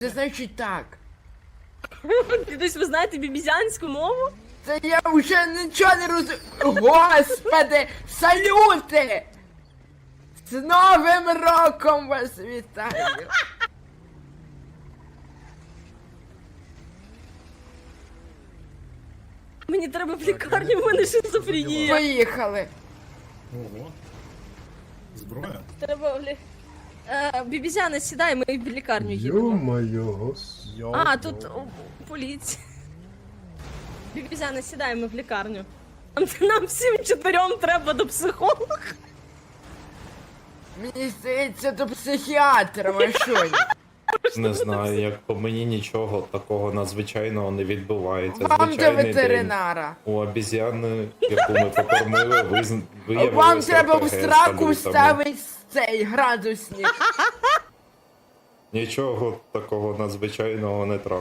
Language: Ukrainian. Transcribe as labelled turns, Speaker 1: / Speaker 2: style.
Speaker 1: Це значить так.
Speaker 2: Дідусь, ви знаєте бібізянську мову?
Speaker 1: Це я вже нічого не розумію. Господи, салюти! З Новим роком вас вітаю!
Speaker 2: Мені треба в лікарню, в мене шизофренія.
Speaker 1: Поїхали!
Speaker 3: Ого. Зброя?
Speaker 2: Треба в лі... Бібізяна, сідай, ми в лікарню їдемо.
Speaker 4: Ё-моё, господи.
Speaker 2: А, тут поліція. Бібізяна, сідай, ми в лікарню. Нам всім чотирьом треба до психолога.
Speaker 1: Мені здається, до психіатра машині.
Speaker 5: Не знаю, як по мені нічого такого надзвичайного не відбувається.
Speaker 1: Вам до
Speaker 5: Звичайний день.
Speaker 1: ветеринара.
Speaker 5: У обіз'яни, яку ми покормили, виявилося
Speaker 1: Вам треба в
Speaker 5: РПГ з
Speaker 1: сраку
Speaker 5: салютами.
Speaker 1: вставити цей градусник.
Speaker 5: Нічого такого надзвичайного не трапилося.